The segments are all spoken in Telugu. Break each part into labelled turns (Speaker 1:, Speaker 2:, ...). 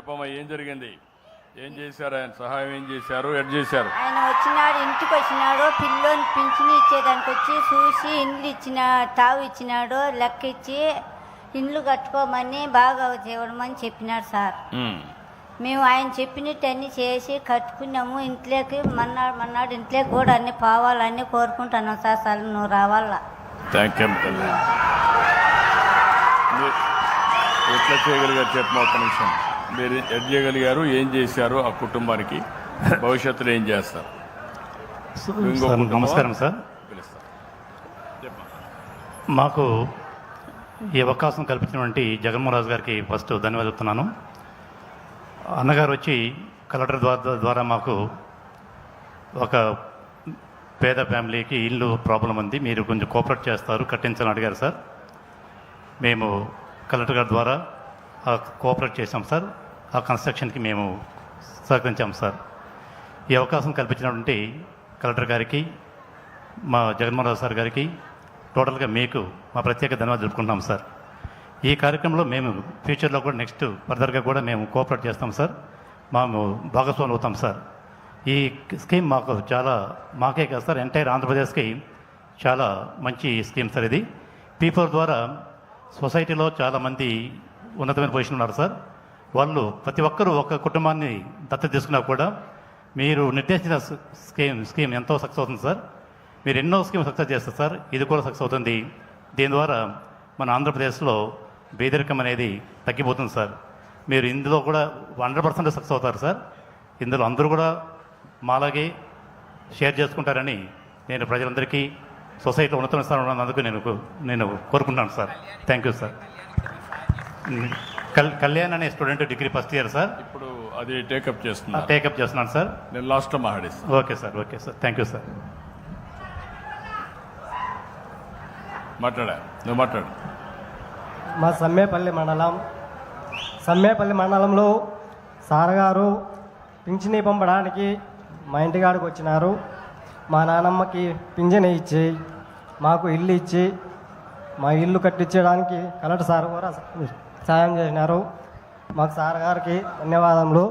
Speaker 1: చెప్పమ్మా, ఏం జరిగింది? ఏం చేశారు? ఆయన సహాయం ఏం చేశారు? ఎడ్ చేశారు?
Speaker 2: ఆయన వచ్చినాడు, ఇంటికి వచ్చినాడు, పిల్లోని పింఛని ఇచ్చేదానికి వచ్చి చూసి ఇండ్లు ఇచ్చిన తావు ఇచ్చినాడు, లెక్క ఇచ్చి ఇండ్లు కట్టుకోమని బాగా ఇవ్వడమని చెప్పినాడు సార్. మేము ఆయన చెప్పినట్టు అన్నీ చేసి కట్టుకున్నాము. ఇంట్లోకి మన్నాడు ఇంట్లోకి కూడా అన్నీ పోవాలని కోరుకుంటున్నాం సార్. అసలు నువ్వు రావాలా.
Speaker 1: Thank you. ఎట్లా చేయగలిగారు చెప్పమా, ఒక్క నిమిషం. మీరు ఎడ్ చేయగలిగారు, ఏం చేశారు ఆ కుటుంబానికి, భవిష్యత్తులో ఏం చేస్తారు?
Speaker 3: నమస్కారం సార్. మాకు ఈ అవకాశం కల్పించినటువంటి జగన్మోహన్ రాజు గారికి ఫస్ట్ ధన్యవాదాలు చెప్తున్నాను. అన్నగారు వచ్చి కలెక్టర్ ద్వారా మాకు ఒక పేద ఫ్యామిలీకి ఇల్లు ప్రాబ్లం ఉంది, మీరు కొంచెం కోఆపరేట్ చేస్తారు, కట్టించాలని అడిగారు సార్. మేము కలెక్టర్ గారి ద్వారా కోఆపరేట్ చేసాం సార్. ఆ కన్స్ట్రక్షన్కి మేము సహకరించాం సార్. ఈ అవకాశం కల్పించినటువంటి కలెక్టర్ గారికి, మా జగన్మోహన్ రావు సార్ గారికి, టోటల్గా మీకు మా ప్రత్యేక ధన్యవాదాలు తెలుపుకుంటున్నాం సార్. ఈ కార్యక్రమంలో మేము ఫ్యూచర్లో కూడా నెక్స్ట్ ఫర్దర్గా కూడా మేము కోఆపరేట్ చేస్తాం సార్. మేము భాగస్వాములు అవుతాం సార్. ఈ స్కీమ్ మాకు చాలా, మాకే కాదు సార్, ఎంటైర్ ఆంధ్రప్రదేశ్కి చాలా మంచి స్కీమ్ సార్ ఇది. పీపుల్ ద్వారా సొసైటీలో చాలామంది ఉన్నతమైన పొజిషన్ ఉన్నారు సార్. వాళ్ళు ప్రతి ఒక్కరూ ఒక కుటుంబాన్ని దత్తత తీసుకున్నా కూడా మీరు నిర్దేశించిన స్కీమ్ ఎంతో సక్సెస్ అవుతుంది సార్. మీరు ఎన్నో స్కీమ్ సక్సెస్ చేస్తారు సార్, ఇది కూడా సక్సెస్ అవుతుంది. దీని ద్వారా మన ఆంధ్రప్రదేశ్లో పేదరికం అనేది తగ్గిపోతుంది సార్. మీరు ఇందులో కూడా 100% సక్సెస్ అవుతారు సార్. ఇందులో అందరూ కూడా మాలాగే షేర్ చేసుకుంటారని నేను ప్రజలందరికీ, సొసైటీలో ఉన్నత స్థానంలో ఉన్నందుకు నేను కోరుకుంటున్నాను sir. Thank you sir. Kalyan అనే student, degree first year sir.
Speaker 1: ఇప్పుడు అది టేకప్
Speaker 3: చేస్తున్నాను సార్.
Speaker 1: నేను లాస్ట్లో మాట్లాడేస్తాను.
Speaker 3: Okay sir. Thank you sir.
Speaker 1: నువ్వు మాట్లాడు.
Speaker 4: మా సమ్మేపల్లి మండలంలో సార్ గారు పింఛని పంపడానికి మా ఇంటికాడికి వచ్చినారు. మా నానమ్మకి పింఛని ఇచ్చి, మాకు ఇల్లు ఇచ్చి, మా ఇల్లు కట్టించడానికి కలెక్టర్ సార్ కూడా సాయం చేసినారు. మాకు సార్ గారికి ధన్యవాదములు.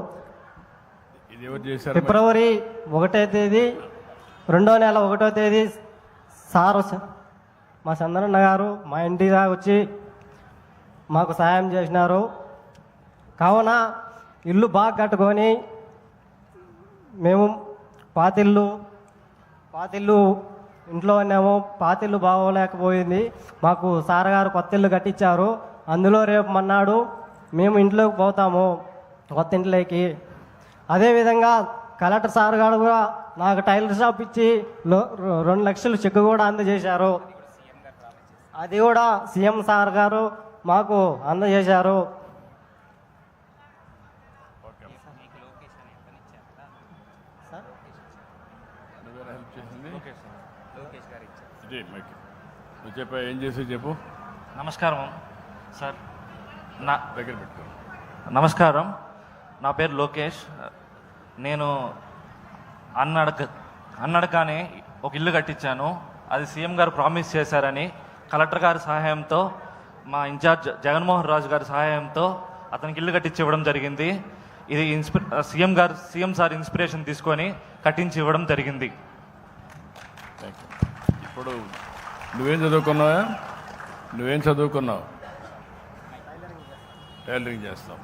Speaker 4: ఫిబ్రవరి 1వ తేదీ 2వ నెల 1వ తేదీ సార్ మా చంద్రన్న గారు మా ఇంటి దాకా వచ్చి మాకు సాయం చేసినారు. కావున ఇల్లు బాగా కట్టుకొని మేము పాతిల్లు ఇంట్లో ఉన్నాము. పాతిల్లు బాగోలేకపోయింది. మాకు సార్ గారు కొత్త ఇల్లు కట్టించారు. అందులో రేపు మన్నాడు మేము ఇంట్లోకి పోతాము, కొత్త ఇంట్లోకి. అదేవిధంగా కలెక్టర్ సార్ గారు కూడా నాకు టైలర్ షాప్ ఇచ్చి 2 లక్షలు చెక్ కూడా అందజేశారు. అది కూడా సీఎం సార్ గారు మాకు అందజేశారు.
Speaker 1: ఏం చేసి చెప్పు.
Speaker 5: నమస్కారం సార్.
Speaker 1: దగ్గర పెట్టుకో.
Speaker 5: నమస్కారం, నా పేరు లోకేష్. నేను అన్నడగానే ఒక ఇల్లు కట్టించాను. అది సీఎం గారు ప్రామిస్ చేశారని కలెక్టర్ గారి సహాయంతో, మా ఇన్ఛార్జ్ జగన్మోహన్ రాజు గారి సహాయంతో అతనికి ఇల్లు కట్టించి ఇవ్వడం జరిగింది. ఇది సీఎం సార్ ఇన్స్పిరేషన్ తీసుకొని కట్టించి ఇవ్వడం జరిగింది.
Speaker 1: ఇప్పుడు నువ్వేం చదువుకున్నావు? టైలరింగ్ చేస్తావు.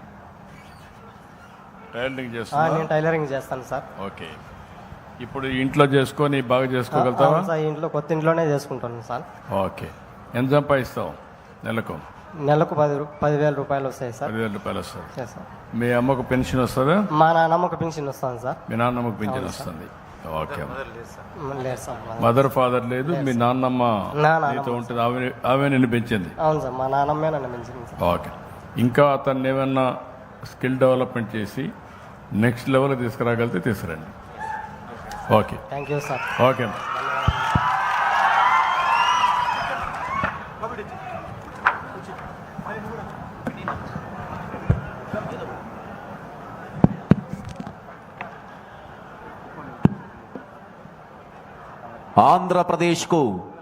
Speaker 4: నేను టైలరింగ్ చేస్తాను సార్.
Speaker 1: ఓకే. ఇప్పుడు ఇంట్లో చేసుకొని బాగా చేసుకోగలుగుతావా?
Speaker 4: ఇంట్లో కొత్త ఇంట్లోనే చేసుకుంటాను సార్.
Speaker 1: ఓకే. ఎంత సంపాదిస్తావు నెలకు?
Speaker 4: 10,000 రూపాయలు వస్తాయి సార్.
Speaker 1: 10,000 రూపాయలు వస్తాయి. మీ అమ్మకు పెన్షన్ వస్తుందా?
Speaker 4: మా నాన్నమ్మకు పెన్షన్ వస్తుంది సార్.
Speaker 1: మీ నాన్నమ్మకు పెన్షన్ వస్తుంది. ఓకే.
Speaker 4: లేదు సార్.
Speaker 1: మదర్ ఫాదర్ లేదు, మీ నాన్నమ్మ నీతో ఉంటుంది, ఆమె నిన్ను పెంచింది?
Speaker 4: అవును సార్, మా నాన్నమ్మే నన్ను పెంచింది సార్.
Speaker 1: ఓకే. ఇంకా అతన్ని ఏమన్నా స్కిల్ డెవలప్మెంట్ చేసి నెక్స్ట్ లెవెల్ తీసుకురాగలిగితే తీసుకురండి. Okay.
Speaker 4: Thank you sir.
Speaker 1: Okay.
Speaker 6: ఆంధ్రప్రదేశ్కు